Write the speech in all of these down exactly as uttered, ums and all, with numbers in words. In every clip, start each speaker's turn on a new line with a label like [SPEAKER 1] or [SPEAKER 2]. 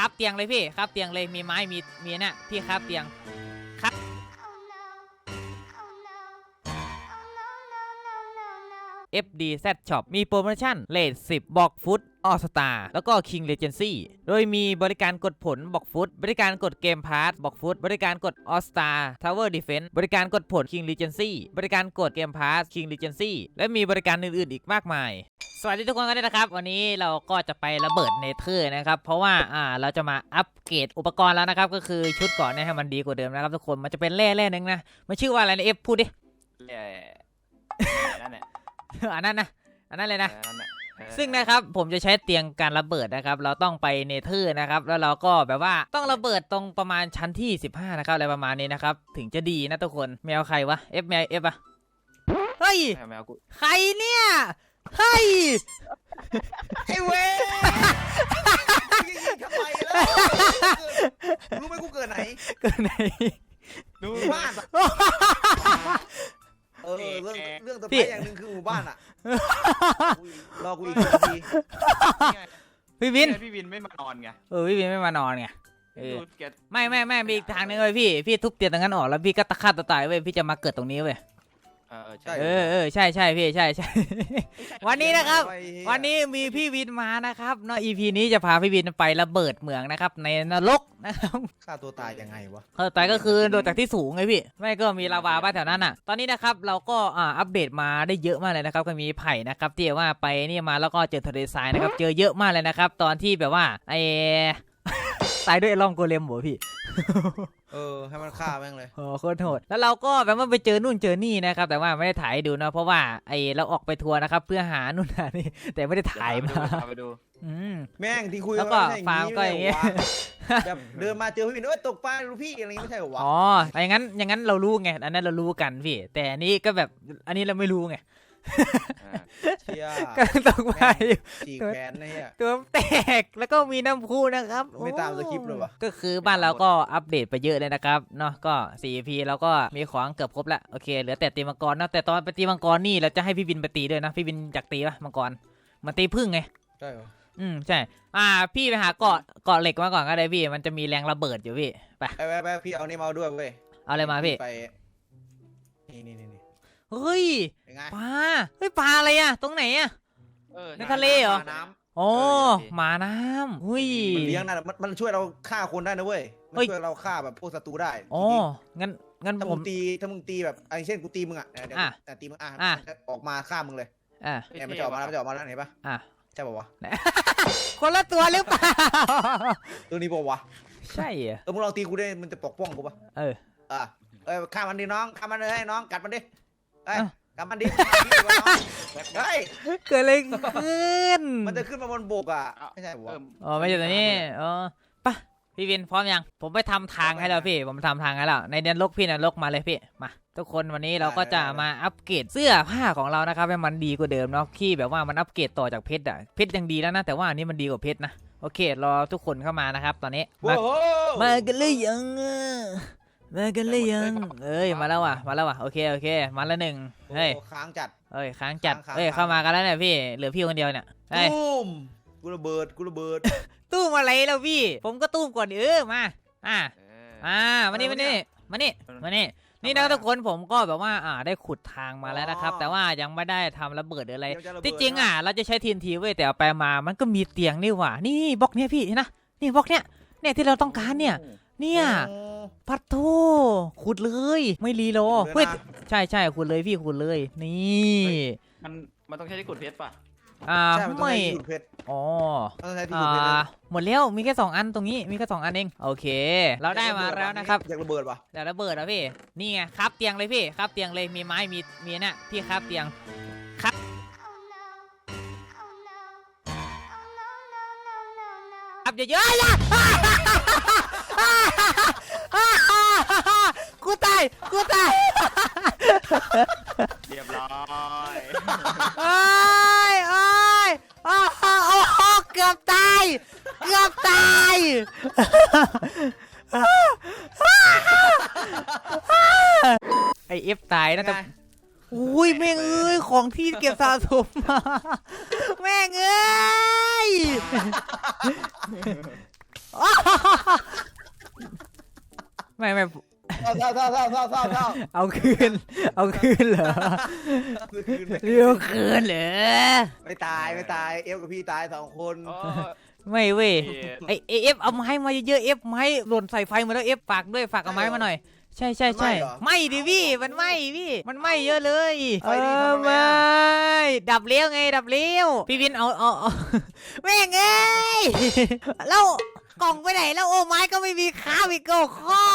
[SPEAKER 1] ครับเตียงเลยพี่ครับเตียงเลยมีไม้มีมีเนี่ยพี่ครับเตียงครับ เอฟ ดี แซด Shop มีโปรโมชั่นเลทสิบบอกฟุตออสตาแล้วก็ King Legacy โดยมีบริการกดผลบอกฟุตบริการกดเกมพาร์ทบอกฟุตบริการกดออสตา Tower Defense บริการกดผล King Legacy บริการกดเกมพาร์ท King Legacy และมีบริการอื่นๆอีกมากมายสวัสดีทุกคนกันด้วยนะครับวันนี้เราก็จะไประเบิดเนเธอร์นะครับเพราะว่าอ่าเราจะมาอัปเกรดอุปกรณ์แล้วนะครับก็คือชุดก่อนเนี่ยให้มันดีกว่าเดิมนะครับทุกคนมันจะเป็นแร่แร่นึงนะมันชื่อว่าอะไรนะเอฟพูดดิ
[SPEAKER 2] เออนั่นแหละ
[SPEAKER 1] อันนั้นนะอันนั้นเลยนะ
[SPEAKER 2] นั่นแหละ
[SPEAKER 1] ซึ่งนะครับผมจะใช้เตียงการระเบิดนะครับเราต้องไปเนเธอร์นะครับแล้วเราก็แบบว่าต้องระเบิดตรงประมาณชั้นที่สิบห้านะครับอะไรประมาณนี้นะครับถึงจะดีนะทุกคนแมวใครวะ F แมว F อะเฮ้ย
[SPEAKER 2] แมวกู
[SPEAKER 1] ใครเนี่ยเฮ้ย
[SPEAKER 3] ไอ้เว้ยยิงทำไมแล้วรู้ไหมกูเกิดไหน
[SPEAKER 1] เกิดไหน
[SPEAKER 3] ดูบ้านเออเรื่องเรื่องต่อไปอย่างหนึ่งคือหมู่บ้านอ่ะรอกูอีกนาที
[SPEAKER 1] พี่วิน
[SPEAKER 2] พี่วินไม่มานอนไง
[SPEAKER 1] เออพี่วินไม่มานอนไงไม่ไม่ไม่มีอีกทางนึงเลยพี่พี่ทุบเตียงตรงนั้นออกแล้วพี่ก็ตะฆ่าตะตายเว้ยพี่จะมาเกิดตรงนี้เว้ย
[SPEAKER 2] เออใช่
[SPEAKER 1] เออเออใช่ใช่พี่ใช่ใช่วันนี้นะครับวันนี้มีพี่วินมานะครับเนาะ อี พี นี้จะพาพี่วินไประเบิดเหมืองนะครับในนรกนะครับ
[SPEAKER 3] ฆ่าตัวตายยังไงวะ
[SPEAKER 1] ฆ่าตัวตายก็คือโดดจากที่สูงไงพี่ไม่ก็มีลาวาบ้านแถวนั้นอ่ะตอนนี้นะครับเราก็อ่าอัปเดตมาได้เยอะมากเลยนะครับก็มีไผ่นะครับที่ว่าไปนี่มาแล้วก็เจอทะเลทรายนะครับเจอเยอะมากเลยนะครับตอนที่แบบว่าไอตายด้วยไอ้ล่องโกเลมหัวพี่
[SPEAKER 3] เออให้มันฆ่าแม่งเลย
[SPEAKER 1] โอ้โคตรโหดแล้วเราก็แบบว่าไปเจอนู่นเจอนี่นะครับแต่ว่าไม่ได้ถ่ายให้ดูนะเพราะว่าไอเราออกไปทัวร์นะครับเพื่อหานู่นหานี่แต่ไม่ได้ถ่ายมา
[SPEAKER 2] ไปดู
[SPEAKER 1] อืม
[SPEAKER 3] แม่งที่คุย
[SPEAKER 1] แล้วก็ฟาร์มก็อย่างเงี้ย
[SPEAKER 3] แบบเดินมาเจอพี่วินเอ้ยตกปลาลูกพี่อะไรไม่ใช่หรอวะ
[SPEAKER 1] อ๋ออย่างนั้นอย่างนั้นเรารู้ไงอันนั้นเรารู้กันพี่แต่อันนี้ก็แบบอันนี้เราไม่รู้ไงก็ต้องไป
[SPEAKER 3] จีแขนเนี่ย
[SPEAKER 1] ตัวแตกแล้วก็มีน้ำพุนะครับ
[SPEAKER 3] ไม่ตามสคริปต์เลยวะ
[SPEAKER 1] ก็คือบ้านเราก็อัปเดตไปเยอะเลยนะครับเนาะก็สี่ พี เราก็มีของเกือบครบละโอเคเหลือแต่ตีมังกรนะแต่ตอนไปตีมังกรนี่เราจะให้พี่วินไปตีด้วยนะพี่วินอยากตีปะมังกรมันตีพึ่งไง
[SPEAKER 3] ใช่เหรอ
[SPEAKER 1] อืมใช่อ่าพี่ไปหาเกาะเกาะเหล็กมาก่อนก็ได้พี่มันจะมีแรงระเบิดอยู่พี่ไป
[SPEAKER 3] ไปไปพี่เอานี่มาด้วยเว้ย
[SPEAKER 1] เอาอะไรมาพี่
[SPEAKER 3] ไปนี่นี่นี่
[SPEAKER 1] เฮ้ยปลาเฮ้ยปลาอะไรอะตรงไหนอะในทะเลเหรอโอ้หมาน้ำหุ้ย
[SPEAKER 3] มันเลี้ยงนะมันมันช่วยเราฆ่าคนได้นะเว้ยมันช่วยเราฆ่าแบบพวกศัตรูได้
[SPEAKER 1] อ๋องั้นงั้น
[SPEAKER 3] ถ้ามึงตีถ้ามึงตีแบบไอ้เช่นกูตีมึงอ่ะเดี๋ยวแต่ตีมึงอ่ะออกมาฆ่ามึงเลย
[SPEAKER 1] อ่ะ
[SPEAKER 3] เนี่ยมันจะออกมาแล้วมันจะออกมาแล้วเห็นปะ
[SPEAKER 1] อ่ะ
[SPEAKER 3] ใช่ป่าววะ
[SPEAKER 1] คนละตัวหรือเปล่า
[SPEAKER 3] ตัวนี้ป่าววะ
[SPEAKER 1] ใช่เหรอ
[SPEAKER 3] เออมึงลองตีกูได้มันจะปกป้องกูปะ
[SPEAKER 1] เออ
[SPEAKER 3] อ่ะเออฆ่ามันดิน้องฆ่ามันเลยให้น้องกัดมันดิเอ้ยกัดมันดิเฮ้ย
[SPEAKER 1] เกิดอะไรขึ้น
[SPEAKER 3] มันจะขึ้นมาบนบกอ่ะไม่ใช่ป่าว
[SPEAKER 1] อ๋อไม่ใช่ตัวนี้อ๋อปะพี่วินพร้อมยังผมไปทำทางให้แล้วพี่ผมทำทางให้แล้วในเดือนลกพี่นรกมาเลยพี่มาทุกคนวันนี้เราก็จะมาอัปเกรดเสื้อผ้าของเรานะครับให้มันดีกว่าเดิมเนาะที่แบบว่ามันอัปเกรดต่อจากเพชรอะเพชรยังดีแล้วนะแต่ว่าอันนี้มันดีกว่าเพชรนะโอเครอทุกคนเข้ามานะครับตอนนี้มามากันเลยยังมากันเลยยังเอ้ยมาแล้วว่ะมาแล้วว่ะโอเคโอเคมาแล้วหนึ่งเฮ้ย
[SPEAKER 3] ค้างจัด
[SPEAKER 1] เอ้ยค้างจัดเอ้ยเข้ามากันแล้วเนี่ยพี่เหลือพี่คนเดียวเนี่ย
[SPEAKER 3] ตุ้มกูระเบิดกูระเบิด
[SPEAKER 1] ตู้มอะไรแล้วพี่ผมก็ตู้มก่อนเออมาอ่าอ่ามานี่มานี่มานี่มานี่นี่นะทุกคนผมก็แบบว่าอ่าได้ขุดทางมาแล้วนะครับแต่ว่ายังไม่ได้ทำระเบิดอะไรที่จริงอ่ะเราจะใช้ทีนทีเว้ยแต่เอาไปมามันก็มีเตียงนี่หว่านี่บล็อกเนี้ยพี่นะนี่บล็อกเนี้ยเนี่ยที่เราต้องการเนี่ยเนี่ยปัดโถขุดเลยไม่รีโลเฮ้ยใช่ใช่ขุดเลยพี่ขุดเลยนี่
[SPEAKER 2] มันมันต้องใช้ที่ขุดเพชรป่ะ
[SPEAKER 1] อ่าไม่อ๋ออ่าหมดแล้วมีแค่สองอันตรงนี้มีแค่สองอันเองโอเคเราได้มาแล้วนะครับ
[SPEAKER 3] อยากระเบิดปะ
[SPEAKER 1] อยากระเบิดอ่ะพี่นี่ไงครับเตียงเลยพี่ครับเตียงเลยมีไม้มีมีเนี่ยพี่ครับเตียงครับครับเยอะๆกูตายกูตาย
[SPEAKER 2] เรียบร้อย
[SPEAKER 1] โอ้ยโอ้ยโอ้โหเกือบตายเกือบตายไอเอฟตายนะแต่อุ้ยแม่งเอ้ยของที่เก็บสะสมมาแม่งเอ้ยไม่ไม่
[SPEAKER 3] เศร้าเศร้าเศร้าเศร้าเศร้าเศร้าเศร้า
[SPEAKER 1] เอาคืนเอาคืนเหรอ
[SPEAKER 3] คืน
[SPEAKER 1] เรียกคืนเหรอ
[SPEAKER 3] ไม่ตายไม่ตายเอฟกับพี่ตายสองคน
[SPEAKER 2] โอ้
[SPEAKER 1] ไม่เว้ย
[SPEAKER 2] ย
[SPEAKER 1] ไอไอเอฟเอาไม้มาเยอะๆเอฟไม้หล่นใส่ไฟมาแล้วเอฟฝากด้วยฝากเอาไม้มาหน่อยใช่ใช่ใช่ไม่ดิพี่มันไม่พี่มันไม่เยอะเลยเออไม่ดับเลี้ยวไงดับเลี้ยวพี่วินเอาเอาเอาแม่งเอ้ยแล้วกล่องไปไหนแล้วโอ้ไม้ก็ไม่มีข้าวอีกโก้ข้อ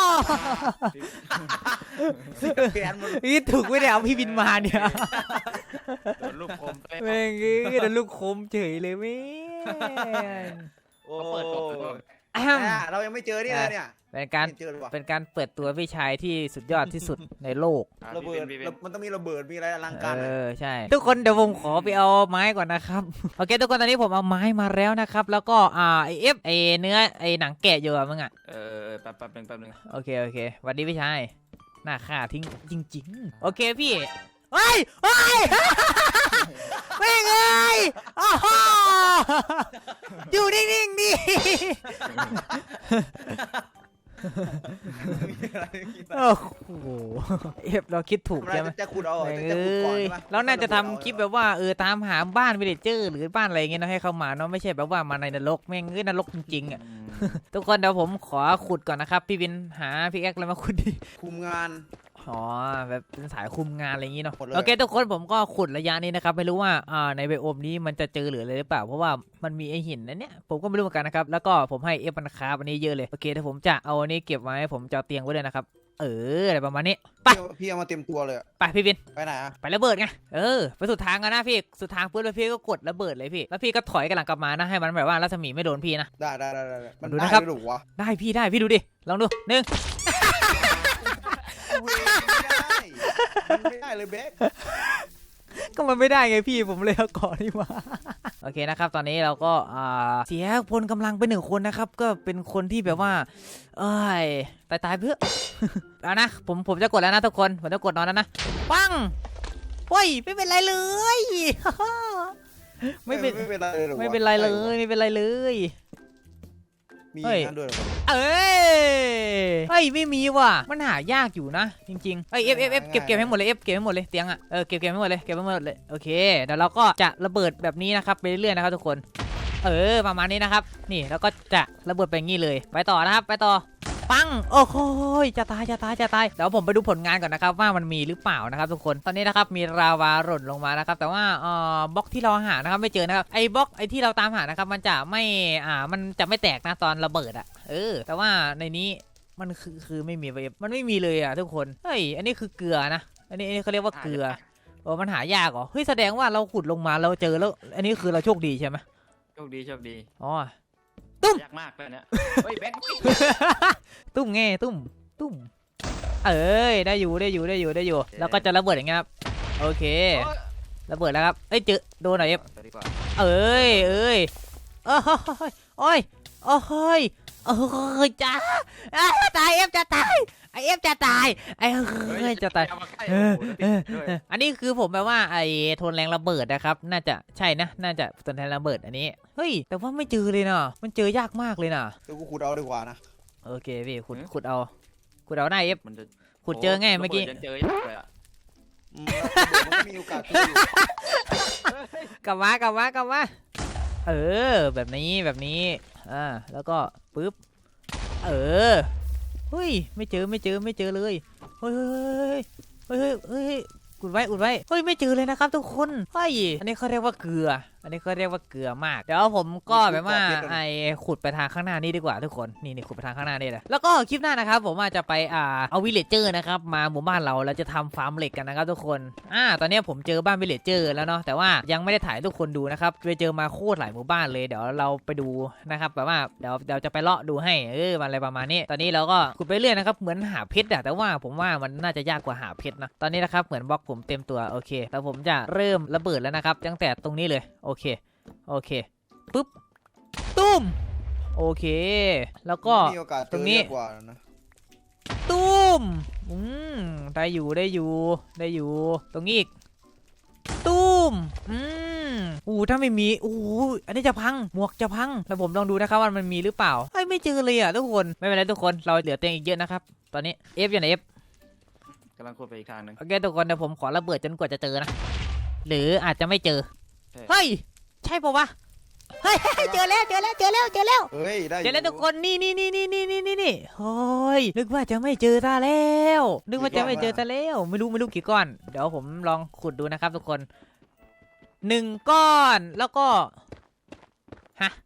[SPEAKER 3] แขนมัน
[SPEAKER 1] นี่ถูกไม่ได้เอาพี่วินมาเนี่ย
[SPEAKER 2] โดนลูกคมไป
[SPEAKER 1] แม่งเอ้ยโดนลูกคมเฉยเลยแม่ง
[SPEAKER 3] โอ้
[SPEAKER 2] เขาเปิดกล่องเลย
[SPEAKER 1] อ้
[SPEAKER 3] อ่ะเรายังไม่เจอนี่เลยเนี่ย
[SPEAKER 1] เป็นการ
[SPEAKER 3] ไม่เจอเลยว่ะ
[SPEAKER 1] เป็นการเปิดตัวพี่ชายที่สุดยอดที่สุดในโลก
[SPEAKER 2] อ่
[SPEAKER 3] ระเบิด
[SPEAKER 2] พี่บนพี่บน
[SPEAKER 3] มันต้องมีระเบิดมีอะไรอลังการ
[SPEAKER 1] เอ
[SPEAKER 3] อะ
[SPEAKER 1] อใช่ ทุกคนเดี๋ยวผมขอไปเอาไม้ก่อนนะครับ โอเคทุกคนตอนนี้ผมเอาไม้มาแล้วนะครับ แล้วก็อ่าไอเอฟไอเนื้อไอหนังแกะอยู่อะมึงอ่ะ
[SPEAKER 2] เออแป๊บแป๊บหนึงแป๊บหนึง
[SPEAKER 1] โอเคโอเคสวัสดีพี่ชายหน้าข่าทิ้งจริงๆโอเคพี่เฮ้ยเฮ้ย แม่งเอ้ยอ้าวอยู่นิ่งๆดิ โอ้โหเอฟเราคิดถูก
[SPEAKER 3] ทำอะไร
[SPEAKER 1] ใช่ไหม
[SPEAKER 3] จะขุดเอาเหรอ
[SPEAKER 1] แม่ง
[SPEAKER 3] จะ
[SPEAKER 1] เอ
[SPEAKER 3] ขุดก่อน้
[SPEAKER 1] ย
[SPEAKER 3] ใช่ไหม
[SPEAKER 1] เราน่าจะทำคลิปแบบว่าเออตามหาบ้านวิลเลจเจอร์หรือบ้านอะไรเงี้ยเนาะให้เข้ามาเนาะไม่ใช่แบบว่ามาในนรกแม่งเอ้ยนรกจริงๆอ่ะ
[SPEAKER 2] อืม
[SPEAKER 1] ทุกคนเดี๋ยวผมขอขุดก่อนนะครับพี่วินหาพี่แอ๊กอะไรมาขุดดิ
[SPEAKER 3] คุมงาน
[SPEAKER 1] อ๋อแบบเป็นสายคุมงานอะไรอย่างงี้เนาะ
[SPEAKER 3] หมดเลย
[SPEAKER 1] โอเคทุกคนผมก็ขุดระยะนี้นะครับไม่รู้ว่าอ่าในไบโอมนี้มันจะเจอหรืออะไรหรือเปล่าเพราะว่ามันมีไอหินนะเนี่ยผมก็ไม่รู้เหมือนกันนะครับแล้วก็ผมให้เอฟมันคาบอันนี้เยอะเลยโอเคเดี๋ยวผมจะเอาอันนี้เก็บไว้ผมจะเอาเตียงไว้เลยนะครับเอออะไรประมาณนี้ไป
[SPEAKER 3] พี่พี่เอามาเต็มตัวเลยอะ
[SPEAKER 1] ไปพี่วิน
[SPEAKER 3] ไปไหนอะ
[SPEAKER 1] ไประเบิดไงเออไปสุดทางกันนะพี่สุดทางปุ๊บแล้วพี่ก็กดระเบิดเลยพี่แล้วพี่ก็ถอยกันหลังกลับมานะให้มันแบบว่ารัศมีไม่โดนพี่นะ
[SPEAKER 3] ได้ได้ได้ได้ได้มัน
[SPEAKER 1] ดู
[SPEAKER 3] ได้
[SPEAKER 1] นะครับ
[SPEAKER 3] ด้วยเหรอวะ
[SPEAKER 1] ได้พี่ได้พี่ดูดิลองดูหนึ่ง
[SPEAKER 3] เว้ยไม่ได้มันไม่ได้เลยเบ๊ก
[SPEAKER 1] ก็มันไม่ได้ไงพี่ผมเลยเอาก่อนนี่มา โอเคนะครับตอนนี้เราก็อ่าเสียพลกำลังไปหนึ่งคนนะครับก็เป็นคนที่แบบว่าเอ้ยตายตายเพื่อ เอานะผมผมจะกดแล้วนะทุกคนผมจะกดนอนแล้วนะปังเฮ้ยไม่เป็นไรเลย ไม่เป็น
[SPEAKER 3] ไม่เป็นไรเลยหรอวะ
[SPEAKER 1] ไม่เป็นไรเลยไม่เป็นไรเลย
[SPEAKER 3] มี
[SPEAKER 1] เฮ้ย
[SPEAKER 3] อย่างนั้นด้วยเหรอ
[SPEAKER 1] เอ้ยเฮ้ยไม่มีว่ะมันหายากอยู่นะจริงๆเอ้ยเอฟเอฟเอฟเก็บเก็บให้หมดเลยเอฟเก็บให้หมดเลยเตียงอ่ะเออเก็บเก็บให้หมดเลยเก็บให้หมดเลยโอเคเดี๋ยวเราก็จะระเบิดแบบนี้นะครับไปเรื่อยๆนะครับทุกคน เออประมาณนี้นะครับนี่แล้วก็จะระเบิดไปอย่างนี้เลยไปต่อนะครับไปต่อปังโอ้โหจะตายจะตายจะตายเดี๋ยวผมไปดูผลงานก่อนนะครับว่ามันมีหรือเปล่านะครับทุกคนตอนนี้นะครับมีราวาหล่นลงมานะครับแต่ว่าเอ่อบล็อกที่เราหานะครับไม่เจอนะครับไอ้บล็อกไอ้ที่เราตามหานะครับมันจะไม่อ่ามันจะไม่แตกนะตอนระเบิดอ่ะเออแต่ว่าในนี้มันคือคือไม่มีเวฟมันไม่มีเลยอ่ะทุกคนเฮ้ยอันนี้คือเกลือนะอันนี้อันนี้เขาเรียกว่าเกลือโอ้มันหายากเหรอเฮ้ยแสดงว่าเราขุดลงมาเราเจอแล้วอันนี้คือเราโชคดีใช่ไหม
[SPEAKER 2] โชคดีโชคดี
[SPEAKER 1] อ๋อ
[SPEAKER 2] ยากมากเลยเนี่ยเฮ้ยแบงค์
[SPEAKER 1] ตุ้มไงตุ้มตุ้มเอ้ยได้อยู่ได้อยู่ได้อยู่ได้อยู่แล้วก็จะระเบิดอย่างเงี้ยครับโอเคระเบิดแล้วครับเอ้ยเจอโดนหน่อยเอฟ
[SPEAKER 2] ไปดีกว่า
[SPEAKER 1] เอ้ยเอ้ยโอ้ยโอ้ยโอ้ยโอ้ยจ้าอ้าวตายเอฟจะตายไอเอฟจะตายไอเอ้ยจะตาย
[SPEAKER 2] เอมใกล้
[SPEAKER 1] เอ
[SPEAKER 2] โอ้
[SPEAKER 1] อ
[SPEAKER 2] โห
[SPEAKER 1] เออ
[SPEAKER 2] ด้วย
[SPEAKER 1] เอออันนี้คือผมแปลว่าไอ้ทนแรงระเบิดนะครับน่าจะใช่นะน่าจะทนแรงระเบิดอันนี้เฮ้ยแต่ว่าไม่เจอเลยนะมันเจอยากมากเลยนะ
[SPEAKER 3] เดี๋ยวกูขุดเอาดีกว่านะ
[SPEAKER 1] โอเคพี่ขุดขุดเอาขุดเอาได้เอฟ
[SPEAKER 2] มันจะ
[SPEAKER 1] ขุดเจอไงเมื่อกี้
[SPEAKER 2] ระบิดยังเจอยากเลยอะ
[SPEAKER 3] อืมแล้วมันก็มีโอกาสเจออยู่
[SPEAKER 1] กลับมากลับมากลับมาเออแบบนี้แบบนี้อ่าแล้วก็ปึ๊บเออเฮ้ยไม่เจอไม่เจอไม่เจอเลยเฮ้ยเฮ้ยเฮ้ยเฮ้ยเฮ้ยอุดไว้อุดไว้เฮ้ยไม่เจอเลยนะครับทุกคนเฮ้ยอันนี้เขาเรียกว่าเกลือ อันนี้เขาเรียกว่าเกลือมากเดี๋ยวผมก็แบบว่าไอ้ขุดไปทางข้างหน้านี่ดีกว่าทุกคนนี่นี่ขุดไปทางข้างหน้านี่เลยแล้วก็คลิปหน้านะครับผมอาจจะไปอ่าเอาวิลเลจเจอร์นะครับมาหมู่บ้านเราแล้วจะทำฟาร์มเหล็กกันนะครับทุกคนอ่าตอนนี้ผมเจอบ้านวิลเลจเจอร์แล้วเนาะแต่ว่ายังไม่ได้ถ่ายให้ทุกคนดูนะครับไปเจอมาโคตรหลายหมู่บ้านเลยเดี๋ยวเราไปดูนะครับแบบว่าเดี๋ยวเดี๋ยวจะไปเลาะดูให้เออมันอะไรประมาณนี้ตอนนี้เราก็ขุดไปเรื่อยนะครับเหมือนหาเพชรอะแต่ว่าผมว่ามันน่าจะยากกว่าหาเพชรนะตอนนี้นะครับเหมือนบล็อกผมเต็มตัวโอเคแล้วผมจะเริ่มระเบิดแล้วนะครับตั้งแต่ตรงนี้เลยโอเคโอเคปุ๊บตุ้มโอเคแล้วก็
[SPEAKER 3] มีโอกาสเจ
[SPEAKER 1] ตร
[SPEAKER 3] อง
[SPEAKER 1] นี้
[SPEAKER 3] เยอะกว่านะ
[SPEAKER 1] ตุ้มอืมได้อยู่ได้อยู่ได้อยู่ตรงนี้อีกตุ้มอืมอู้ถ้าไม่มีอู้อันนี้จะพังหมวกจะพังแล้วผมลองดูนะครับว่ามันมีหรือเปล่าเฮ้ยไม่เจอเลยอ่ะทุกคนไม่เป็นไรทุกคนเราเหลือเตียงอีกเยอะนะครับตอนนี้ F อยู่ไหน F
[SPEAKER 2] กำลังขุดไปอีกทางหนึ่ง
[SPEAKER 1] โอเคทุกคนเดี๋ยวผมขอระเบิดจนกว่าจะเจอนะหรืออาจจะไม่เจอ
[SPEAKER 2] ใช่
[SPEAKER 1] เฮ้ยใช่ปะวะเฮ้ยเจอแล้วเจอแล้วเจอแล้วเจอแล้ว
[SPEAKER 3] เฮ้ยได้
[SPEAKER 1] เจอแล้วทุกคนนี่นี่นี่นี่นี่นี่นี่นี่เฮ้ยนึกว่าจะไม่เจอซะแล้วนึกว่าจะไม่เจอซะแล้วไม่รู้ไม่รู้กี่ก้อนเดี๋ยวผมลองขุดดูนะครับทุกคนหนึ่งก้อนแล้วก็ฮะ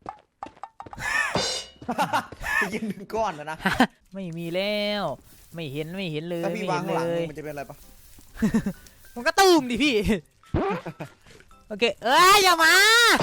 [SPEAKER 3] ไปยิงหนึ่งก้อนนะนะ
[SPEAKER 1] ไม่มีแล้วไม่เห็นไม่เห็นเลย
[SPEAKER 3] ถ้า
[SPEAKER 1] ไม่
[SPEAKER 3] พี่
[SPEAKER 1] เห็
[SPEAKER 3] วาง
[SPEAKER 1] น
[SPEAKER 3] ข้างหลัง
[SPEAKER 1] เลย
[SPEAKER 3] มันจะเป็นอะไรปะ
[SPEAKER 1] มันก็ตูมดิพี่ โอเคเอ้ยอย่ามา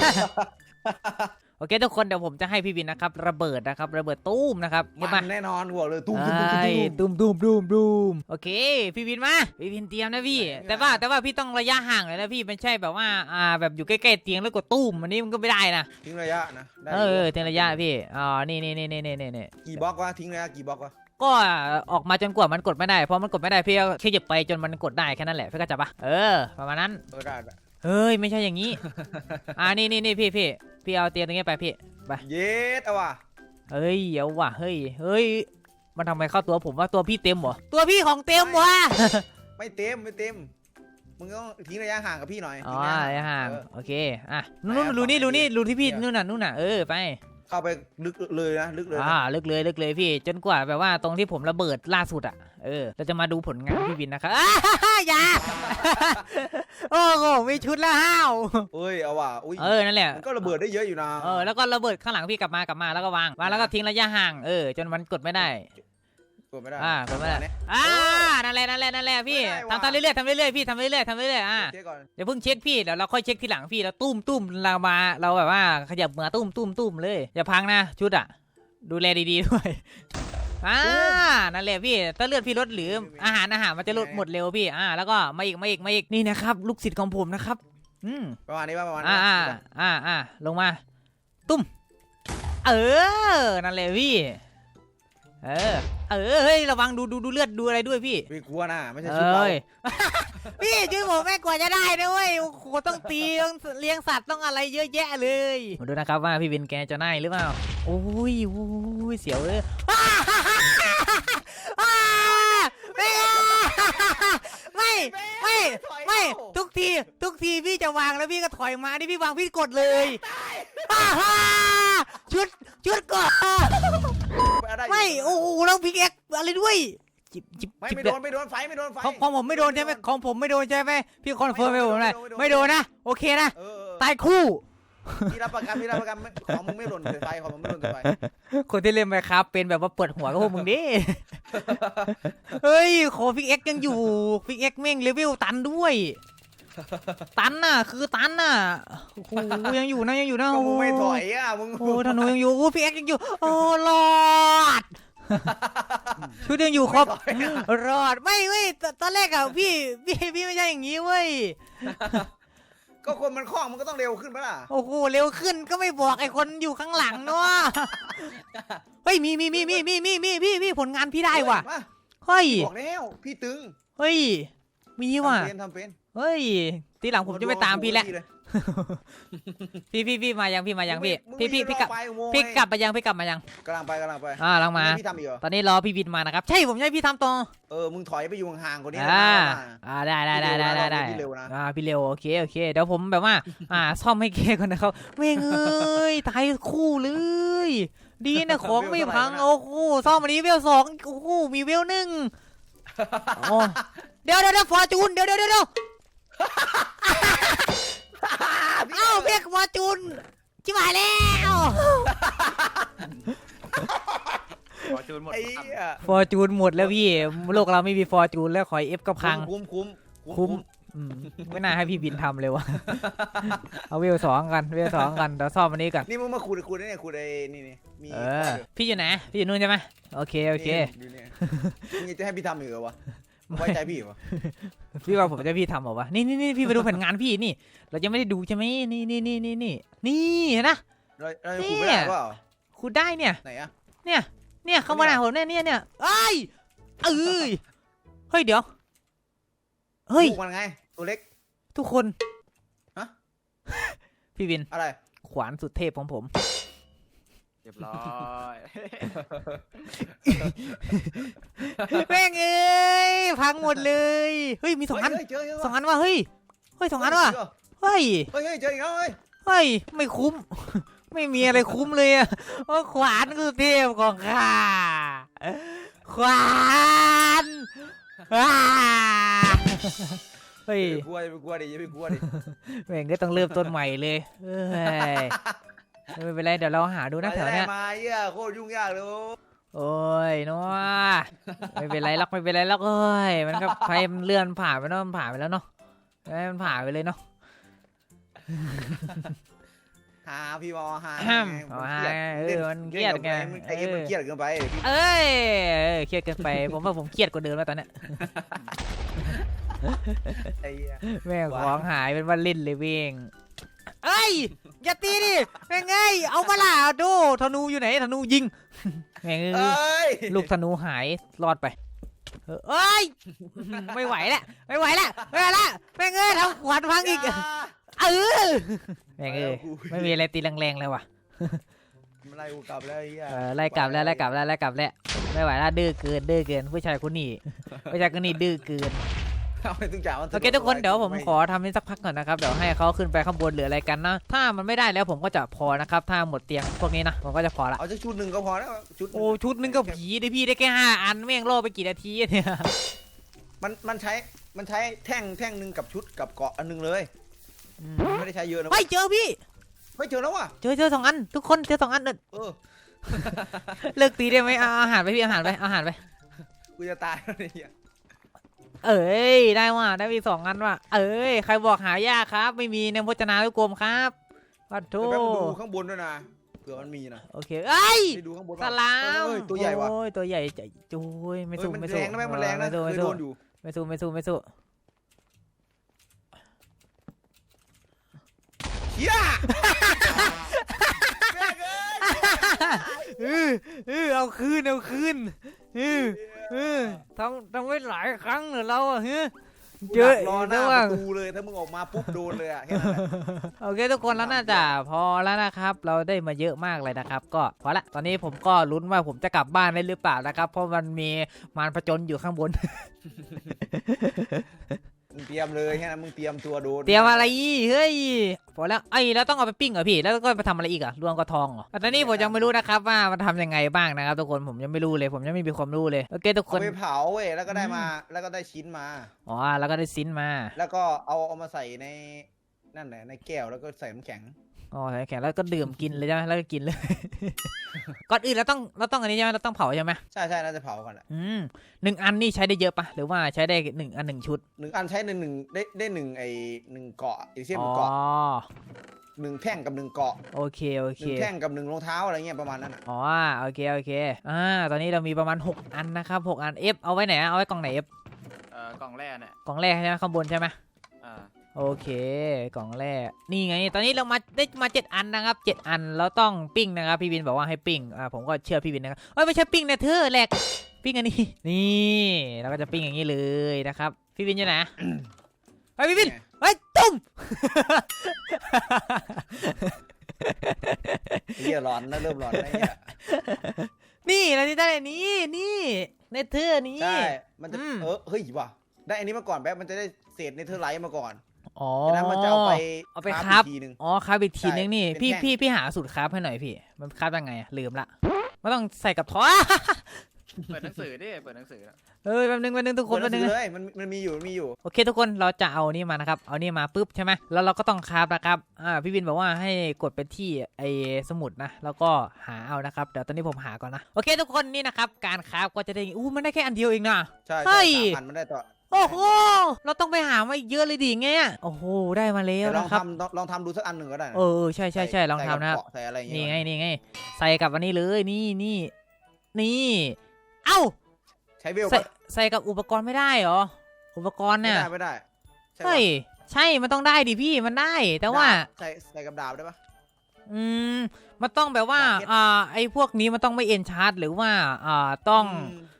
[SPEAKER 1] โอเคทุกคนเดี๋ยวผมจะให้พี่วินนะครับระเบิดนะครับระเบิดตู้มนะครับเงียบ
[SPEAKER 3] มั
[SPEAKER 1] มาน
[SPEAKER 3] แน่นอนหัวเลยตุ้มตุ้มตุ้ม
[SPEAKER 1] ไอ้
[SPEAKER 3] ตุ้ม
[SPEAKER 1] ตุ้มตุ้มตุ้มตุ้มโอเคพี่วินมาพี่วินเตรียมนะพี่
[SPEAKER 3] ไม่เป็นไร
[SPEAKER 1] แต่ว่าแต่ว่าพี่ต้องระยะห่างเลยนะพี่ไม่ใช่แบบว่าอ่าแบบอยู่ใกล้ๆเตียงแล้วกดตุ้มอันนี้มันก็ไม่ได้นะ
[SPEAKER 3] ทิ้งระยะนะได้
[SPEAKER 1] เออเตียงระยะพี่อ๋อนี่นี่นี่นี่นี่นี่
[SPEAKER 3] กี่บล็อกวะทิ้งระยะกี่บล็อกวะ
[SPEAKER 1] ก็ออกมาจนกว่ามันกดไม่ได้เพราะมันกดไม่ได้พี่ก็แค่หยิบไปจนมันกดได้แค่นั้นแหละพี่ก็จับปะเออประมาณนั้น
[SPEAKER 3] เออได้ได้
[SPEAKER 1] เฮ้ยไม่ใช่อย่างนี้ อ่านี่นี่นี่พี่พี่พี่เอาเตียงตรงนี้ไปพี่ไป
[SPEAKER 3] เย็ดเอาว่ะ
[SPEAKER 1] เฮ้ยเอาว่ะเฮ้ยเฮ้ยมันทำไมเข้าตัวผมว่าตัวพี่เต็มเหรอตัวพี่ของเต็มวะ
[SPEAKER 3] ไม่เต็มไม่เต็มมึงต้องทิ้งระยะห่างกับพี่หน่อย
[SPEAKER 1] อ๋อ
[SPEAKER 3] ทิ้งระ
[SPEAKER 1] ระยะห่าง
[SPEAKER 3] เออ
[SPEAKER 1] โอเคอ่ะนู่นรูนี่รูนี่รูที่พี่นู่นน่ะนู่นน่ะเออไป
[SPEAKER 3] เข้าไปลึกเลยนะลึกเลยนะ
[SPEAKER 1] อ่าลึกเลยลึกเลยพี่จนกว่าแบบว่าตรงที่ผมระเบิดล่าสุดอ่ะเออเราจะมาดูผลงานพี่วินนะครับ อย่า โอ้โหมีชุดละห้าว
[SPEAKER 3] เอ้ยเอาว่ะอุ้ย
[SPEAKER 1] เออนั่นแหละ
[SPEAKER 3] มันก็ระเบิดได้เยอะอยู่นะ
[SPEAKER 1] เออแล้วก็ระเบิดข้างหลังพี่กลับมากลับมาแล้วก็วางวางแล้วก็ทิ้งระยะห่างเออจนมันกดไม่ได้
[SPEAKER 3] กดไม่ได้
[SPEAKER 1] อ่ากดไม่ได้
[SPEAKER 3] เนี่ย
[SPEAKER 1] อ่านั่นแหละนั่นแหละนั่นแหละพี่
[SPEAKER 3] ไม่ได้ว่ะ
[SPEAKER 1] ทำทำเรื่อยๆทำเรื่อยๆพี่ทำเรื่อยๆทำเรื่อยๆอ่า
[SPEAKER 3] เช็คก่อน
[SPEAKER 1] เดี๋ยวเพิ่งเช็คพี่เดี๋ยวเราค่อยเช็คทีหลังพี่แล้วตุ้มตุ้มเรามาเราแบบว่าขยับมือตุ้มตุ้มตุ้มเลยอย่าพังนะชุดอ่ะดูแลดีๆด้วยอ่านั่นแหละพี่ถ้าเลือดพี่ลดหรืออาหารอาหารมันจะลดหมดเร็วพี่อ่าแล้วก็มาอีกมาอีกมาอีกนี่นะครับลูกศิษย์ของผมนะครับอืม
[SPEAKER 3] ประมาณนี้ป่ะประมาณนี้
[SPEAKER 1] อ่าอ่า
[SPEAKER 3] ป่ะ
[SPEAKER 1] อ่าอ่าลงมาตุ้มเออนั่นแหละพี่เออเออเฮ้ยระวังดูดูดูเลือดดูอะไรด้วยพี่
[SPEAKER 3] พี่กลัวนะไม่ใช่
[SPEAKER 1] เอ
[SPEAKER 3] ชุดเรา
[SPEAKER 1] ้ย พี่ช่วยผมแม่กว่าจะได้นะเว้ยโอ้โหต้องตีต้องเลี้ยงสัตว์ต้องอะไรเยอะแยะเลยมาดูนะครับว่าพี่วินแกจะได้หรือเปล่าโอ้ยโอ้ยเสียวเลยอ้าอ้าไม่ไม่ไม่ไม่ทุกทีทุกทีพี่จะวางแล้วพี่ก็ถอยมานี่พี่วางพี่กดเลยอ้าฮ่าชุดชุดก่อน
[SPEAKER 3] ด้
[SPEAKER 1] ไม่โอ้โหแล้วพิกเอ็กอะไรด้วยจิบจิบ
[SPEAKER 3] ไม่
[SPEAKER 1] จิบ
[SPEAKER 3] ไม่
[SPEAKER 1] เดื
[SPEAKER 3] โด
[SPEAKER 1] อด
[SPEAKER 3] นไม่โดนไฟไม่โดนไฟ
[SPEAKER 1] ของของผมไม่โดนใช่ไหมของผมไม่โดนใช่ไหมพี่คอนเฟิร์มให้ผมหน่อยไม่โดนนะโอเคนะ
[SPEAKER 3] เออเออ
[SPEAKER 1] ตายคู่
[SPEAKER 3] พี่รับประกันพี่รับประกันไม่ของมึงไม่หล่นใส่ไฟของมึงไม่หล่นใส่ไฟ
[SPEAKER 1] คนที่เล่นไปครับเป็นแบบว่าปวดหัวกับพวกมึงดิ เฮ้ยขอพิกเอ็กยังอยู่พิกเอ็กแม่งเลเวลตันด้วย ตันน่ะคือตันน่ะโอ้โหยังอยู่นะยังอยู่นะ
[SPEAKER 3] ก็
[SPEAKER 1] โอ้
[SPEAKER 3] มึง
[SPEAKER 1] โห
[SPEAKER 3] ไม่ถอยอ่ะมึง
[SPEAKER 1] โอ้ธนูยังอยู่โอ้พิกเอ็กยังอยู่โอ้รอด ชุดยังอยู่ครบรอดไม่เว้ยตตอนแรกอะพี่พี่พี่ไม่ใช่อย่างนี้เว้ย
[SPEAKER 3] ก็คนมันคล่องมันก็ต้องเร็วขึ้นปะล่ะ
[SPEAKER 1] โอ้โหเร็วขึ้นก็ไม่บอกไอ้คนอยู่ข้างหลังเนาะ เฮ้ยมีมีมีมีมีมีมีพี่พี่ผลงานพี่ได้ว่ะ
[SPEAKER 3] มา
[SPEAKER 1] เฮ้ย
[SPEAKER 3] บอกแล้วพี่ตึง
[SPEAKER 1] เฮ้ยมีว่ะ
[SPEAKER 3] ทำเป็นทำเป็น
[SPEAKER 1] เฮ้ยทีหลังผมจะไม่ตามพี่แล้วพี่พี่พี่มายังพี่มายังพี่พี่พี่พี่กลับพี่กลับมายังพี่กลับมายัง
[SPEAKER 3] กำลังไปกำลังไป
[SPEAKER 1] อ่าลังมา
[SPEAKER 3] พี่ทำอีกเหรอ
[SPEAKER 1] ตอนนี้รอพี่วินมานะครับใช่ผมใช่พี่ทำต่อ
[SPEAKER 3] เออมึงถอยไปอยู่ห่างๆกว่านี้
[SPEAKER 1] อ่า
[SPEAKER 3] นะ
[SPEAKER 1] อ่าได้ได้ได้ได้ได้ได้
[SPEAKER 3] พี่เร็วนะ
[SPEAKER 1] อ่าพี่เร็วโอเคโอเคเดี๋ยวผมแบบว่าอ่าซ่อมให้แกก่อนนะครับเว้งเอ้ยตายคู่เลยดีนะของไม่พังโอ้โหซ่อมอันนี้เวลสองโอ้โหมีเวลหนึ่งโอ้เดี๋ยวเดี๋ยวฟอร์จูนเดี๋ยวเดี๋ยวเดี๋ยวเอ้าเบกฟอร์จูนชิบหายแล้ว
[SPEAKER 2] ขอจูนหมด
[SPEAKER 3] ไอ้เหี้ย
[SPEAKER 1] ฟอร์จูนหมดแล้วพี่โลกเราไม่มีฟอร์จูนแล้วขอยเอฟก็พัง
[SPEAKER 3] คุ้มคุ้ม
[SPEAKER 1] คุ้มอืมไม่น่าให้พี่บินทำเลยวะ เอาเวลสองกันเวลสองกันเดี๋ยวซ่อมอันนี้ก่อน
[SPEAKER 3] นี่มึงมาขุดขุดได้เนี่ยขุดไอ้นี่นี่มี
[SPEAKER 1] เออพี่อยู่ไหนพี่อยู่นู่นใช่ไหมโอเคโอเค
[SPEAKER 3] ดูเนี่ยมึงจะให้พี่ทำอีกเหรอวะไว้ใจพี่เหรอ
[SPEAKER 1] พี่ว่าผมจะพี่ทำเหรอวะนี่นี่นี่พี่ไปดูผลงานพี่นี่ เราจะไม่ได้ดูใช่ไหมนี่นี่นี่นี่นี่นี่เห็นนะ
[SPEAKER 3] เราเราขุดไม่ได้เปล่า
[SPEAKER 1] คุณได้เนี่ย
[SPEAKER 3] ไหนอะ
[SPEAKER 1] เนี่ยเนี่ยเข้ามาหน้าผมเนี่ยเนี่ยเนี่ยเอ้ยเอ้ยเฮ้ยเดี๋ยวเฮ้ย
[SPEAKER 3] ลูกมันไงตัวเล็ก
[SPEAKER 1] ทุกคน
[SPEAKER 3] ฮะ
[SPEAKER 1] พี่วิน
[SPEAKER 3] อะไร
[SPEAKER 1] ขวานสุดเทพของผม
[SPEAKER 2] เรียบร้อย
[SPEAKER 1] แม่งเอ้ยพังหมดเลยเฮ้ยมีสองอัน
[SPEAKER 3] เฮ้ยเจอเจอ
[SPEAKER 1] สองอันว่ะเฮ้ยเฮ้ยสองอันว่ะเฮ้ย
[SPEAKER 3] เฮ้ยเฮ้ยเจออีกแล้วเฮ้ย
[SPEAKER 1] เฮ้ยไม่คุ้ม ไม่มีอะไรคุ้มเลยอะเพราะขวานคือเทพของข้าขวานอ้าเฮ้ย
[SPEAKER 3] อย่าไปกลัวอย่าไปกลัวดิอย่าไปกลัวดิ
[SPEAKER 1] แม่งก็ต้องเริ่มต้นใหม่เลยเอ้ยไม่เป็นไรเดี๋ยวเราหาดูนะแถวเนี้ย
[SPEAKER 3] มาเหี้ยโคตรยุ่งยากเลย
[SPEAKER 1] โอ้ยนัวไม่เป็นไรหรอกไม่เป็นไรหรอกเอ้ยมันก็ไปมันเลื่อนผ่านไปเนาะมันผ่านไปแล้วเนาะให้มันผ่านไปเลยเนาะ
[SPEAKER 3] หาพี่บอหา
[SPEAKER 1] ห้าม
[SPEAKER 3] ไง
[SPEAKER 1] เอาหาเออมันเครียดไง
[SPEAKER 3] ไอ้เอ็มมันเครียดเกินไป
[SPEAKER 1] เอ้ยเออเครียดเกินไปผมว่าผมเครียดกว่าเดิมแล้วตอนเนี้ย
[SPEAKER 3] ไอ้เหี้ย
[SPEAKER 1] แม่งของหายเป็นว่าเล่นเลยเว้งเอ้ยอย่าตีดิแม่งไงเอามาล่ะดูธนูอยู่ไหนธนูยิงแม่ง
[SPEAKER 3] เอ้ย
[SPEAKER 1] ลูกธนูหายรอดไปเอ้ยไม่ไหวแล้วไม่ไหวแล้วไม่ไหวแล้วแม่งเอ้ยทำขวานพังอีกเออแม่งเอ้ยไม่มีอะไรตีแรงๆเลยว่ะ
[SPEAKER 3] มันไล่กูกลับแล้วไอ้เหี้ย
[SPEAKER 1] เออไล่กลับแล้วไล่กลับแล้วไล่กลับแล้วไม่ไหวแล้วดื้อเกินดื้อเกินผู้ชายคนนี้ผู้ชายคนนี้ดื้อเกิน
[SPEAKER 3] เอาไปตึงจ่ามัน
[SPEAKER 1] โอเคทุกคนเดี๋ยวผมขอทำให้สักพักก่อนนะครับเดี๋ยวให้เขาขึ้นไปข้างบนหรืออะไรกันนะถ้ามันไม่ได้แล้วผมก็จะพอนะครับถ้าหมดเตียงพวกนี้นะผมก็จะพอละ
[SPEAKER 3] เอาสักชุดหนึ่งก็พอแล้วชุด
[SPEAKER 1] โอ้ชุดนึงก็ผีได้พี่ได้แค่ห้าอันแม่งโล่ไปกี่นาทีเนี่ย
[SPEAKER 3] มันมันใช้มันใช้แท่งแท่งหนึ่งกับชุดกับเกาะอันหนึงเลยไม่ได้ใช้เยอะนะ
[SPEAKER 1] ไม่เจอพี่
[SPEAKER 3] ไม่เจอแล้วว่ะ
[SPEAKER 1] เจอเจอสองอันทุกคนเจอสองอันเออ
[SPEAKER 3] เออ
[SPEAKER 1] เลิกตีได้ไหมเอาอาหารไปพี่อาหารไปอาหารไป
[SPEAKER 3] กูจะตายแล้วเนี่ย
[SPEAKER 1] เอ้ยได้ว่ะได้มีสองอันว่ะเอ้ยใครบอกหายากครับ ไม่มีในพจนานุกรมครับปัดโท
[SPEAKER 3] เดี๋ยวแป๊บนึงดูข้างบนด้วยนะเผื่อมันมีนะ
[SPEAKER 1] โอเคเอ้ย
[SPEAKER 3] ไปดูข้างบน
[SPEAKER 1] สลาม
[SPEAKER 3] เอ้ยตัวใหญ่ว่ะ
[SPEAKER 1] โอ้ยตัวใหญ่ใจจุ้ยไม่
[SPEAKER 3] เฮ้ย
[SPEAKER 1] สู้
[SPEAKER 3] มัน
[SPEAKER 1] ไม่
[SPEAKER 3] แร
[SPEAKER 1] สู้
[SPEAKER 3] งนะแม่งมันแรงนะ
[SPEAKER 1] ไม่สู้
[SPEAKER 3] เค
[SPEAKER 1] ไม่
[SPEAKER 3] ยโด
[SPEAKER 1] สู้
[SPEAKER 3] นอยู่
[SPEAKER 1] ไม่สู้ไม่สู้ไม่สู้
[SPEAKER 3] เฮีย
[SPEAKER 1] เออเออเอาคืนเอาคืนเออเออทำทำไว้หลายครั้งเหรอเราอะเฮ้ยเจอ
[SPEAKER 3] รอหน้า
[SPEAKER 1] ระห
[SPEAKER 3] ป
[SPEAKER 1] ว่าง
[SPEAKER 3] ระตูเลยถ้ามึงออกมาปุ๊บโดนเลยอ่ะแค่นั้นแหละ
[SPEAKER 1] โอเคทุกคนแล้วน่าจะพอแล้วนะครับ เราได้มาเยอะมากเลยนะครับ ก็พอละตอนนี้ผมก็ลุ้นว่าผมจะกลับบ้านได้หรือเปล่านะครับ เพราะมันมีมารผจญอยู่ข้างบน
[SPEAKER 3] มึงเตรียมเลยแค่นั้นมึงเตรียมตัวโดน
[SPEAKER 1] เตรียมอะไรอีเฮ้ยพอแล้วไอ้แล้วต้องเอาไปปิ้งเหรอพี่แล้วก็ไปทำอะไรอีกอะรวมกระทองเหรอแต่ตอนนี้ผมยังไม่รู้นะครับว่ามันทำยังไงบ้างนะครับทุกคนผมยังไม่รู้เลยผมยังไม่มีความรู้เลยโอเคทุกค
[SPEAKER 3] เอา
[SPEAKER 1] น
[SPEAKER 3] ไปเผาเว้ยแล้วก็ได้มาแล้วก็ได้ชิ้นมา
[SPEAKER 1] อ๋อแล้วก็ได้ซินมา
[SPEAKER 3] แล้วก็เอาเอามาใส่ในนั่นแหละในแก้วแล้วก็ใส่น้ำแข็ง
[SPEAKER 1] อ๋อใส่แข็งแล้วก็ดื่มกินเลยใช่ไหมแล้วก็กินเลย ก่อนอื่นเราต้องเราต้องอันนี้ใช่ไหมเราต้องเผาใช่ไหม
[SPEAKER 3] ใช่ใช่น่าจะเผากันแหละ
[SPEAKER 1] อืมหนึ่งอันนี่ใช้ได้เยอะปะหรือว่าใช้ได้หนึ่งอันหนึ่งชุด
[SPEAKER 3] หนึ่งอันใช้หนึ่งหนึ่งได้ได้หนึ่งไอหนึ่งเกาะอีกเช่น
[SPEAKER 1] อ๋อ
[SPEAKER 3] เกาะหนึ่งแท่งกับหนึ่งเกาะ
[SPEAKER 1] โอเคโอ
[SPEAKER 3] ห
[SPEAKER 1] เค
[SPEAKER 3] นึ่งแท่งกับหนึ่งรองเท้าอะไรเงี้ยประมาณนั้นอ่ะ
[SPEAKER 1] อ๋อโอเคโอเคอ่าตอนนี้เรามีประมาณหกอันนะครับหกอัน F เอาไว้ไหนเอาไว้กล่องไหน F
[SPEAKER 2] เอ่อกล่องแรกเนี่ย
[SPEAKER 1] กล่องแรกใช่ไหมข้างบนใช่ไหม
[SPEAKER 2] อ่า
[SPEAKER 1] โอเคกล่องแรกนี่ไงตอนนี้เรามาได้มาเจ็ดอันนะครับเจ็ดอันเราต้องปิ้งนะครับพี่วินบอกว่าให้ปิ้งอ่าผมก็เชื่อพี่วินนะครับเอ้ยไม่ใช่ปิ้งนะเธอแหลกปิ้งอันนี้นี่เราก็จะปิ้งอย่างนี้เลยนะครับพี่วินอยู่ไหน เฮ้ยพี่วินเฮ้ยตุ้ม
[SPEAKER 3] เฮียร้อนนะเริ่มร้อนนะเนี่ย
[SPEAKER 1] นี่เราที่ได้อันนี้นี่ในเธอนี้
[SPEAKER 3] ใช่มันจะ
[SPEAKER 1] อืม
[SPEAKER 3] เออเฮ้ยว่ะได้อันนี้มาก่อนแป๊บมันจะได้เศษเนเธอร์ไลท์มาก่อน
[SPEAKER 1] อ๋อ
[SPEAKER 3] จากนั้นมันจะเอาไป
[SPEAKER 1] เอาไป
[SPEAKER 3] ค
[SPEAKER 1] ค
[SPEAKER 3] รา
[SPEAKER 1] รั
[SPEAKER 3] ฟ
[SPEAKER 1] บ
[SPEAKER 3] อีกทีหนึง
[SPEAKER 1] อ๋อคราบอีกทีนึงนี่
[SPEAKER 3] ใช่
[SPEAKER 1] พี่
[SPEAKER 3] เป็นแท่ง
[SPEAKER 1] พี่พี่หาสูตรคราฟให้หน่อยพี่มันคราฟยังไงอะลืมละมันต้องใส่กับท้อ
[SPEAKER 2] เปิดหนังสือดิเปิดหนังสือ
[SPEAKER 1] เอ้ยแป๊บนึงแป๊บนึงทุกคน
[SPEAKER 3] เปิดห
[SPEAKER 1] แป๊
[SPEAKER 3] นั
[SPEAKER 1] บ
[SPEAKER 3] ง
[SPEAKER 1] นึง
[SPEAKER 3] สือเลยมันมันมีอยู่มันมีอยู่
[SPEAKER 1] โอเคทุกคนเราจะเอานี่มานะครับเอานี่มาปุ๊บใช่ไหมแล้วเราก็ต้องคราฟนะครับอ่าพี่วินบอกว่าให้กดไปที่ไอ้สมุดนะแล้วก็หาเอานะครับเดี๋ยวตอนนี้ผมหาก่อนนะโอเคทุกคนนี่นะครับการคราฟก็จะได้อู้มันได้แค่อันเดียวเองนะ
[SPEAKER 3] ใช่
[SPEAKER 1] เฮ้
[SPEAKER 3] ใช่
[SPEAKER 1] ย
[SPEAKER 3] สามพันมันได้ต่อ
[SPEAKER 1] โอ้โหเราต้องไปหามาอีกเยอะเลยดิไงอะโอ้โหได้มาแล้ว
[SPEAKER 3] แต่ลอง
[SPEAKER 1] นะครับ
[SPEAKER 3] ทำลองลองทำดูสักอันหนึ่งก็ได้นะ
[SPEAKER 1] เออใช่ใช่ใช่ลอง
[SPEAKER 3] ใส่
[SPEAKER 1] ทำนะครับ
[SPEAKER 3] เกาใส่อะไรอย่าง
[SPEAKER 1] นี่
[SPEAKER 3] เงี้ย
[SPEAKER 1] ไงนี่ไงใส่กับอันนี้เลยนี่นี่นี่เอ้า
[SPEAKER 3] ใช้เวล
[SPEAKER 1] ใส่
[SPEAKER 3] ปะ
[SPEAKER 1] ใส่กับอุปกรณ์ไม่ได้เหรออุปกรณ์
[SPEAKER 3] ไม่
[SPEAKER 1] เนี่ย
[SPEAKER 3] ได้ไม่ได้ใช่ปะ
[SPEAKER 1] เฮ้ยใช่มันต้องได้ดิพี่มันได้แต่ว่า
[SPEAKER 3] ดบใส่ใส่กับดาบได้ปะ
[SPEAKER 1] อืมมันต้องแบบว่า
[SPEAKER 3] ดาบเพชร
[SPEAKER 1] อ่าไอ้พวกนี้มันต้องไม่เอ็นชาร์จหรือว่าอ่าต้อง
[SPEAKER 3] อืม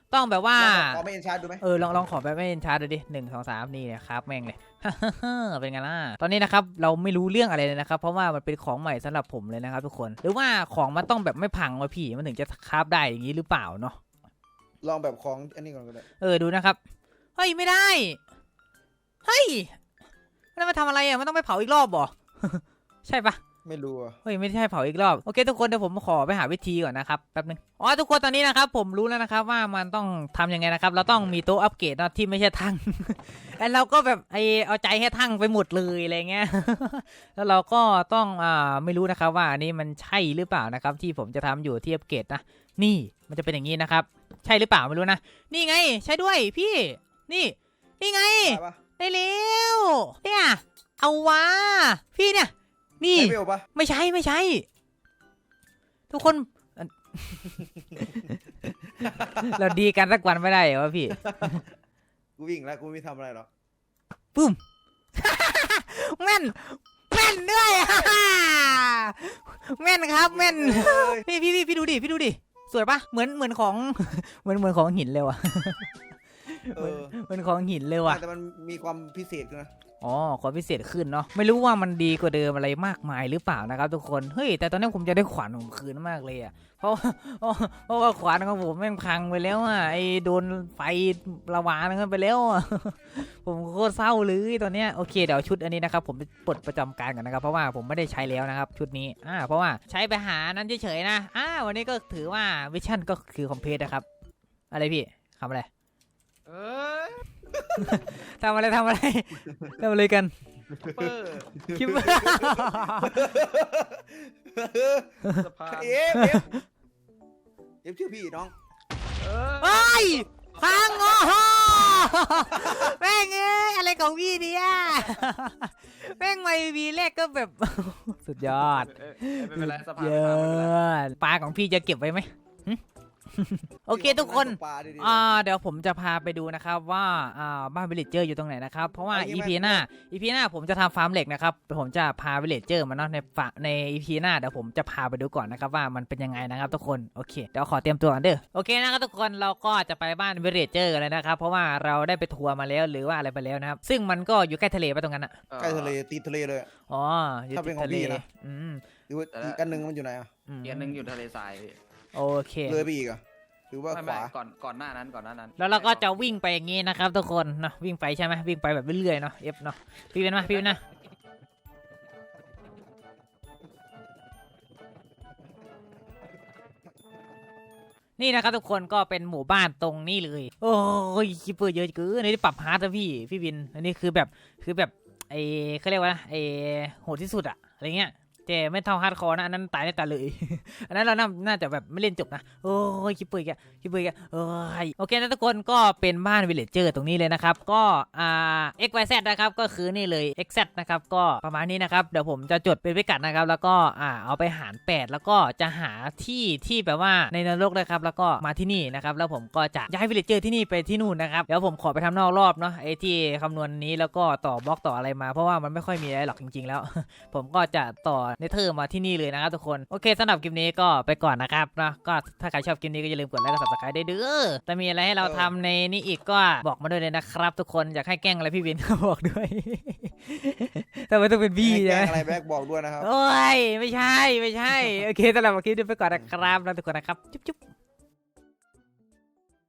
[SPEAKER 1] ต้องแบบว่า
[SPEAKER 3] ขอไม่เอ็นชาร์ดดูไหม
[SPEAKER 1] เออลองลองขอแบบไม่เอ็นชาร์ดดูดิหนึ่งสองสามนี่เนี่ยครับแม่งเลย เป็นไงล่ะตอนนี้นะครับเราไม่รู้เรื่องอะไรเลยนะครับเพราะว่ามันเป็นของใหม่สำหรับผมเลยนะครับทุกคนหรือว่าของมันต้องแบบไม่พังวะพี่มันถึงจะคราฟได้อย่างนี้หรือเปล่าเนาะ
[SPEAKER 3] ลองแบบของอันนี้ก่อนก็ได้
[SPEAKER 1] เออดูนะครับเฮ้ยไม่ได้เฮ้ยแล้วมาทำอะไรอ่ะมันต้องไปเผาอีกรอบบ่ ใช่ปะ
[SPEAKER 3] ไม่รู้อ่ะ
[SPEAKER 1] เฮ้ยไม่ใช่เผาอีกรอบโอเคทุกคนเดี๋ยวผมขอไปหาวิธีก่อนนะครับแป๊บนึงอ๋อทุกคนตอนนี้นะครับผมรู้แล้วนะครับว่ามันต้องทำยังไงนะครับเราต้องมีโต๊ะอัปเกรดเนาะที่ไม่ใช่ทั้ง แล้วเราก็แบบไอเอาใจให้ทั้งไปหมดเลยอะไรเงี้ย แล้วเราก็ต้องอ่าไม่รู้นะครับว่าอันนี้มันใช่หรือเปล่านะครับที่ผมจะทำอยู่ที่อัปเกรดนะนี่มันจะเป็นอย่างนี้นะครับใช่หรือเปล่าไม่รู้นะนี่ไงใช่ด้วยพี่นี่นี่ไง
[SPEAKER 3] ได้ปะ
[SPEAKER 1] ได้แล้วเนี่ยเอาวะพี่เนี่ยนี่
[SPEAKER 3] ได้เวลปะ
[SPEAKER 1] ไม่ใช่ไม่ใช่ ทุกคน เราดีกันสักวันไม่ได้เหรอวะพี่
[SPEAKER 3] กูวิ่งแล้วกูไม่ทำอะไรหรอก
[SPEAKER 1] ปุ้ม แม่นแม่นด้วย แม่นครับแม่น พี่พี่พี่พี่ดูดิพี่ดูดิสวยปะเหมือนเหมือนของ เหมือนเหมือนของหินเลยว่ะ
[SPEAKER 3] เออ
[SPEAKER 1] เหมือนของหินเลยว่ะ
[SPEAKER 3] แต่มันมีความพิเศษขึ้นนะ
[SPEAKER 1] อ๋อความพิเศษขึ้นเนาะไม่รู้ว่ามันดีกว่าเดิมอะไรมากมายหรือเปล่านะครับทุกคนเฮ้ยแต่ตอนนี้ผมจะได้ขวานของผมคืนมากเลยอ่ะเพราะเพราะเพราะว่าขวานของผมแม่งพังไปแล้วอ่ะไอ้โดนไฟระวานกันไปแล้วอ่ะ ผมโคตรเศร้าเลยตอนเนี้ยโอเคเดี๋ยวชุดอันนี้นะครับผมไปปลดประจำการก่อนนะครับเพราะว่าผมไม่ได้ใช้แล้วนะครับชุดนี้อ่าเพราะว่าใช้ไปหานั้นเฉยๆนะอ่าวันนี้ก็ถือว่าวิชั่นก็คือคอมเพลตนะครับอะไรพี่ทำอะไร
[SPEAKER 2] เอ้ย
[SPEAKER 1] ทำอะไรทำอะไรทำอะไรกัน
[SPEAKER 2] เปอร์
[SPEAKER 1] คิดว่า
[SPEAKER 2] สะพาน
[SPEAKER 3] เอฟเอฟเอฟชื่อพี่น้อง
[SPEAKER 2] เอ
[SPEAKER 1] เฮ้ยพังโอ้โหแม่งเอ้ยอะไรของพี่เนี่ยแม่งไม่มีแรกก็แบบ สุดยอด
[SPEAKER 2] เอ้ยไม่เป็นไรสะพาน
[SPEAKER 1] เย
[SPEAKER 2] ไม่
[SPEAKER 1] อ
[SPEAKER 2] พังไม่เป็นไร
[SPEAKER 1] ดปลาของพี่จะเก็บไว้ไหมหึ โอเคทุกคน
[SPEAKER 3] ปลาดีๆ
[SPEAKER 1] อ่าเดี๋ยวผมจะพาไปดูนะครับว่าอ่าบ้านวิลเลจเจอร์อยู่ตรงไหนนะครับเพราะว่า
[SPEAKER 3] เอางี้
[SPEAKER 1] อี
[SPEAKER 3] ไหม
[SPEAKER 1] พีหน้า อีพีหน้าผมจะทำฟาร์มเหล็กนะครับผมจะพาวิลเลจเจอร์มาเนาะในฝใน อี พี หน้าเดี๋ยวผมจะพาไปดูก่อนนะครับว่ามันเป็นยังไงนะครับทุกคนโอเคเดี๋ยวขอเตรียมตัวกันเด้อโอเคนะครับทุกคนเราก็จะไปบ้านวิลเลจเจอร์กันเลยนะครับเพราะว่าเราได้ไปทัวร์มาแล้วหรือว่าอะไรไปแล้วนะครับซึ่งมันก็อยู่ใกล้ทะเลไปตรงนั้นอ่ะ
[SPEAKER 3] ใกล้ทะเลตีทะเลเลย
[SPEAKER 1] อ๋ออยู่
[SPEAKER 3] ถ้าเป็
[SPEAKER 1] ติ
[SPEAKER 3] น
[SPEAKER 1] ด
[SPEAKER 3] ของ
[SPEAKER 1] ทะเล
[SPEAKER 3] พี่นะ
[SPEAKER 1] อืม
[SPEAKER 3] หรือว่าอีกอันหนึงมันอยู่ไหนอ่ะ
[SPEAKER 1] อืม
[SPEAKER 2] เกียร์หนึ่งอยู่ทะเลทรายพี่
[SPEAKER 1] โอเค
[SPEAKER 3] เลยไปอีกอ่ะหรือว่า
[SPEAKER 2] ไม่
[SPEAKER 3] ข
[SPEAKER 2] ไม่
[SPEAKER 3] วา
[SPEAKER 2] ก่อนก่อนหน้านั้นก่อนหน้านั้น
[SPEAKER 1] แล้วเราก็จะวิ่งไปอย่างงี้นะครับทุกคนเนาะวิ่งไปใช่ไหมวิ่งไปแบบเรื่อยๆเนาะเอฟเนาะพี่เป็นมาพี่เป็นนะนี่นะครับทุกคนก็เป็นหมู่บ้านตรงนี้เลยโอ้ยคิปเปอร์เยอะเกินอันนี้ปรับฮาร์ดนะพี่พี่บินอันนี้คือแบบคือแบบไอเขาเรียกว่าไอโหดที่สุดอะอะไรเงี้ยแต่ไม่เท่าฮาร์ดคอร์นะอันนั้นตายได้ตายเลย อันนั้นเราน่าน่าจะแบบไม่เล่นจบนะโอ้ยคิปเปอร์แกคิปเปอร์แกโอ้ยโอเคนะทุกคนก็เป็นบ้านวิลเลจเจอร์ตรงนี้เลยนะครับก็อ่า เอ็กซ์ วาย แซด นะครับก็คือนี่เลย เอ็กซ์ แซด นะครับก็ประมาณนี้นะครับเดี๋ยวผมจะจดเป็นพิกัดนะครับแล้วก็อ่าเอาไปหารแปดแล้วก็จะหาที่ที่แบบว่าในนรกเลยครับแล้วก็มาที่นี่นะครับแล้วผมก็จะย้ายวิลเลจเจอร์ที่นี่ไปที่นู่นนะครับเดี๋ยวผมขอไปทำนอกรอบเนาะไอ้ที่คำนวณนี้แล้วก็ต่อบล็อกต่ออะไรมาเพราะว่ามันไม่ค่อยมีอะไรหรอกจริงๆแล้ว ผมก็จะต่อเนเธอร์มาที่นี่เลยนะครับทุกคนโอเคสำหรับคลิปนี้ก็ไปก่อนนะครับนะก็ถ้าใครชอบคลิปนี้ก็อย่าลืมกดไลค์กด ซับสไครบ์ ได้เด้อแต่มีอะไรให้เราทำในนี้อีกก็บอกมาด้วยเลยนะครับทุกคนอยากให้แกล้งอะไรพี่วินก็บอกด้วย แต่ไม่ต้องเป็นพี่
[SPEAKER 3] ให้แก
[SPEAKER 1] ใช่
[SPEAKER 3] ล้
[SPEAKER 1] ไหม
[SPEAKER 3] งอะไรแบ็กบอกด้วยนะครับ
[SPEAKER 1] โอ้ยไม่ใช่ไม่ใช่โอเคสำหรับคลิปนี้ไปก่อนนะครับแล้วทุกคนนะครับจุ๊บจุ๊บ